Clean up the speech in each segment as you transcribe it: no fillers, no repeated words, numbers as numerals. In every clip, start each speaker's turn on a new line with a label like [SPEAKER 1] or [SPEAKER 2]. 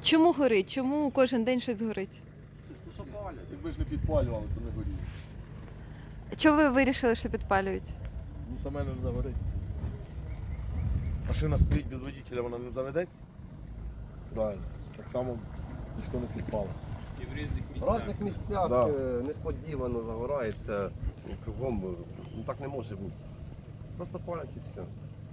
[SPEAKER 1] Чому горить? Чому кожен день щось горить?
[SPEAKER 2] Ну що палять? Якби ж не підпалювали, то не горіло.
[SPEAKER 1] Чого ви вирішили, що підпалюють?
[SPEAKER 2] Ну саме не загориться. Машина стоїть без водителя, вона не заведеться. Правильно. Так само ніхто не підпалив.
[SPEAKER 3] В різних місцях
[SPEAKER 2] Да.
[SPEAKER 3] несподівано загорається, кругом, ну так не може бути. Просто палять і все.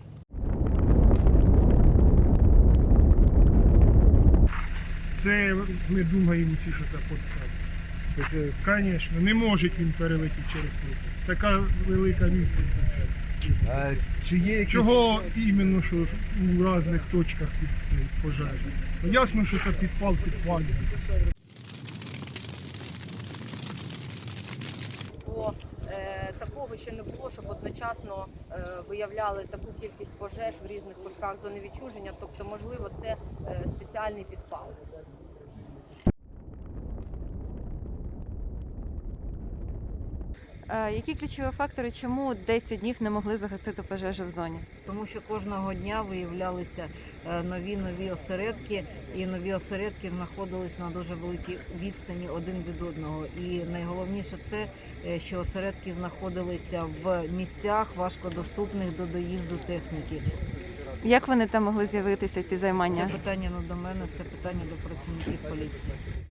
[SPEAKER 4] Це ми думаємо всі, що це подкат. Звісно, не може він перелетіти через плиту. Така велика місце.
[SPEAKER 3] Чи є якісь...
[SPEAKER 4] Чого іменно, що у різних точках під цей пожежі? Ну, ясно, що це підпалює.
[SPEAKER 5] Бо такого ще не було, щоб одночасно виявляли таку кількість пожеж в різних кутках зони відчуження. Тобто, можливо, це спеціальний підпал.
[SPEAKER 1] Які ключові фактори, чому 10 днів не могли загасити пожежу в зоні?
[SPEAKER 6] Тому що кожного дня виявлялися нові осередки, і нові осередки знаходились на дуже великій відстані один від одного. І найголовніше це, що осередки знаходилися в місцях важкодоступних до доїзду техніки.
[SPEAKER 1] Як вони там могли з'явитися, ці займання?
[SPEAKER 6] Це питання не до мене, це питання до працівників поліції.